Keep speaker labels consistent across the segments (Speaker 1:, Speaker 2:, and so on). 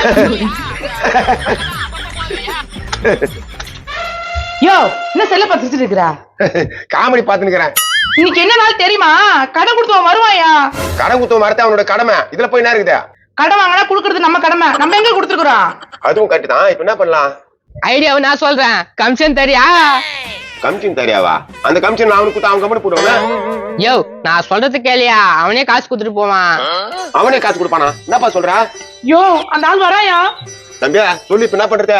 Speaker 1: யோ என்ன செல்ல பார்த்துட்டு இருக்கிறா?
Speaker 2: காமெடி பாத்துக்கிறேன்.
Speaker 1: இன்னைக்கு என்ன நாள் தெரியுமா? கடன் கொடுத்தவன் வருவாயா?
Speaker 2: கடன் குத்தம் வரத்த அவனோட கடமை. இதுல போய் என்ன இருக்குது?
Speaker 1: கடன் வாங்கினா குடுக்கறது நம்ம கடமை. நம்ம எங்க கொடுத்துருக்கோம்?
Speaker 2: அதுவும் கரெக்ட் தான். இப்ப என்ன பண்ணலாம்?
Speaker 3: ஐடியாவை நான் சொல்றேன். கமிஷன் தெரியா?
Speaker 2: கமிஷன் தெரியாவா? அந்த கமிஷன் அவனுக்கு கொடுத்து அவன் கம்பெனி போடுவாங்க.
Speaker 3: யோ நான் சொல்றது கேளியா? அவனே காசு கொடுத்துட்டு போவான்.
Speaker 2: அவனே காசு கொடுப்பானா? என்னப்பா சொல்ற?
Speaker 1: யோ அந்த ஆள் வராயா?
Speaker 2: தம்பியா சொல்லி இப்ப என்ன பண்றது?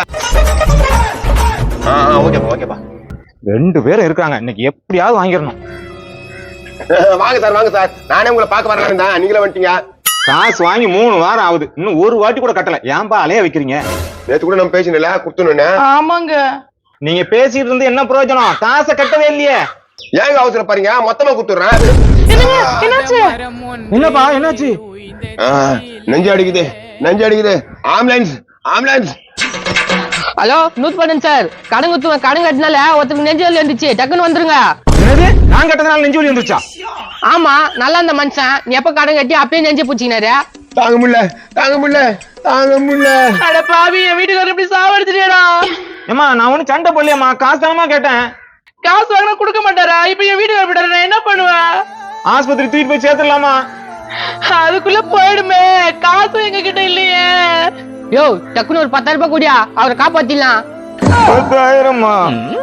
Speaker 2: ஓகேப்பா ஓகேப்பா.
Speaker 4: 2 பேரும் இருக்காங்க. இன்னைக்கு எப்படியாவது வாங்கிடணும்.
Speaker 2: வாங்க சார் வாங்க சார். நானே உங்களை பார்க்க வரலாம் தான். நீங்களே வந்துட்டீங்க.
Speaker 4: காசு வாங்கி 3 வாரம் ஆகுது. இன்னும் ஒரு வாட்டி கூட கட்டல. ஏன்பா அலைய வைக்கிறீங்க?
Speaker 2: நேத்து கூட நம்ம பேசினல குடுத்துன்னு.
Speaker 1: ஆமாங்க.
Speaker 4: நீங்க பேசிட்டு இருந்து என்ன பிரயோஜனம்? காசை கட்டவே இல்லையே.
Speaker 2: ஏங்க அவசரம் பாருங்க. மொத்தமா குடுத்துறேன்.
Speaker 1: என்னாச்சு?
Speaker 4: என்னப்பா என்னாச்சு?
Speaker 2: நெஞ்சு அடிக்குது நெஞ்சு அடிக்குது. Ambulance ambulance.
Speaker 3: ஹலோ நூத் பண்ணன் சார். கடன் குத்துவன் கடன் கட்டினால ஒருத்தருக்கு நெஞ்சு வலி வந்துச்சு. டக்குன்னு வந்துருங்க.
Speaker 4: என்னது? நான் கட்டதுனால நெஞ்சு வலி வந்துருச்சா?
Speaker 3: ஆமா நல்லா இந்த மனுஷன். நீ எப்ப கடன் கட்டி அப்பயே நெஞ்சு பூச்சிக்கினாரு.
Speaker 2: தாங்க முடியல தாங்க முடியல தாங்க முடியல.
Speaker 1: அட பாவி என் வீட்டுக்காரர் எப்படி சாவடிச்சிட்டியடா?
Speaker 4: ஏமா நான் ஒண்ணு சண்டை போடலையம்மா. காசு தானமா கேட்டேன்.
Speaker 1: காசு வாங்கினா கொடுக்க மாட்டாரா? இப்ப என் வீட்டுக்காரர் விட்டாரு, நான் என்ன பண்ணுவேன்?
Speaker 4: ஆஸ்பத்திரி தூக்கிட்டு போய் சேர்த்துடலாமா?
Speaker 1: அதுக்குள்ள போயிடுமே. காசு எங்க கிட்ட இல்லையே.
Speaker 3: யோ டக்குன்னு ஒரு 10,000 ரூபாய் கூடியா, அவரை காப்பாத்திடலாம்.
Speaker 4: 10,000மா?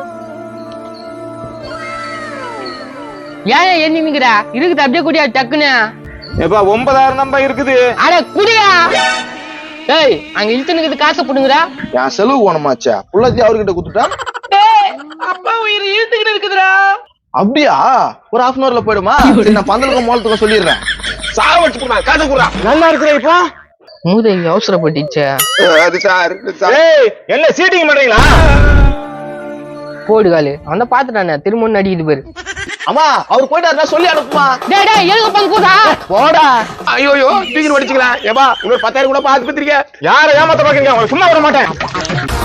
Speaker 3: ஏன் எண்ணிமிக்கிற? இருக்குது அப்படியே கூடியா டக்குன்னு.
Speaker 4: ஏப்பா 9,000 நம்பா இருக்குது.
Speaker 3: அட குடியா. ஏய் அங்க இழுத்துனுக்குது காசை புடுங்குறா.
Speaker 5: என் செலவு போனமாச்சா புள்ளத்தி அவர்கிட்ட குடுத்துட்டா.
Speaker 1: அப்பா உயிர் இழுத்துக்கிட்டு இருக்குதுடா.
Speaker 5: அப்படியா? ஒரு 1/2 போயிடுமா? நான் பந்தலுக்கும் மோளத்துக்கும் சொல்லிடுறேன்.
Speaker 2: சாவடிச்சு போடுறா. காசு குடுறா.
Speaker 4: நல்லா இருக்கிற இப்போ.
Speaker 3: மூதேவி அவசரப்பட்டுச்சே.
Speaker 2: அது சார்
Speaker 4: ஏய் என்ன சீட்டிங் பண்றீங்களா?
Speaker 3: போடுகாலு அவன் பாத்துட்டானே திரும்ப அடிக்குது பேரு.
Speaker 5: அம்மா அவர் போயிட்டாருன்னா சொல்லி அனுப்புமா.
Speaker 3: டேய் டேய் எழுக பங்குடா போடா.
Speaker 2: ஐயோ தூக்கி வடிச்சுக்கலாம். ஏப்பா இன்னொரு 10,000 கூட பாத்து பத்திரிக்க.
Speaker 4: யாரை ஏமாத்த பாக்குறீங்க? சும்மா வர மாட்டேன்.